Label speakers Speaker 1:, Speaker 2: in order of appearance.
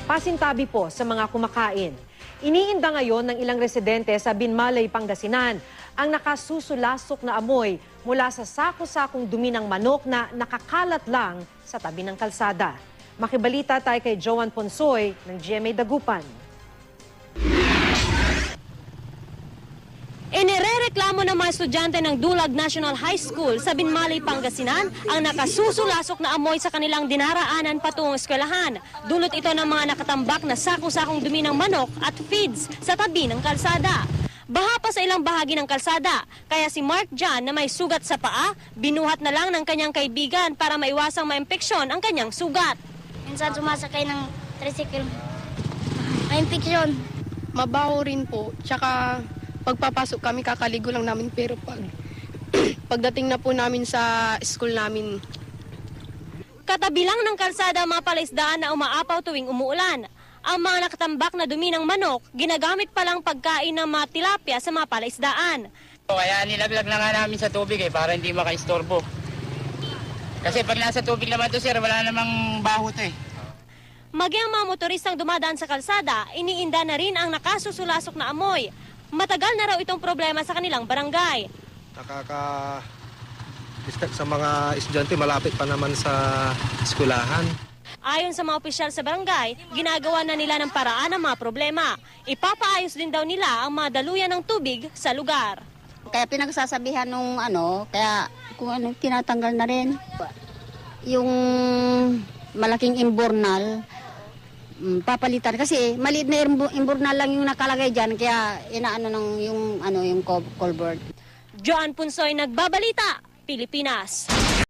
Speaker 1: pasintabi po sa mga kumakain. Iniinda ngayon ng ilang residente sa Binmalay, Pangasinan ang nakasusulasok na amoy mula sa sako-sakong dumi ng manok na nakakalat lang sa tabi ng kalsada. Makibalita tayo kay Joan Ponsoy ng GMA Dagupan.
Speaker 2: Inirereklamo ng mga estudyante ng Dulag National High School sa Binmalay, Pangasinan ang nakasusulasok na amoy sa kanilang dinaraanan patungong eskwelahan. Dulot ito ng mga nakatambak na sako-sakong dumi ng manok at feeds sa tabi ng kalsada. Baha pa sa ilang bahagi ng kalsada, kaya si Mark John na may sugat sa paa, binuhat na lang ng kanyang kaibigan para maiwasang maimpeksyon ang kanyang sugat.
Speaker 3: Minsan sumasakay ng tricycle, may infeksyon.
Speaker 4: Mabaho rin po, tsaka pagpapasok kami kakaligo lang namin, pero pagdating na po namin sa school namin.
Speaker 2: Katabi lang ng kalsada ang mga palaisdaan na umaapaw tuwing umuulan. Ang mga nakatambak na dumi ng manok, ginagamit palang pagkain ng mga tilapia sa mga palaisdaan.
Speaker 5: Kaya nilaglag na nga namin sa tubig para hindi makaistorbo. Kasi pag nasa tubig naman to, sir, wala namang baho to .
Speaker 2: Maging ang mga motoristang dumadaan sa kalsada, iniinda na rin ang nakasusulasok na amoy. Matagal na raw itong problema sa kanilang barangay.
Speaker 6: Nakaka-disturb sa mga estudyante, malapit pa naman sa eskulahan.
Speaker 2: Ayon sa mga opisyal sa barangay, ginagawa na nila ng paraan ang mga problema. Ipapaayos din daw nila ang mga daluyan ng tubig sa lugar.
Speaker 7: Kaya pinagsasabihan nung kaya kung tinatanggal na rin. Yung malaking imbornal, papalitan kasi maliit na imbornal lang yung nakalagay diyan, kaya inaano ng yung culvert.
Speaker 2: Joan Punsoy, Nagbabalita, Pilipinas.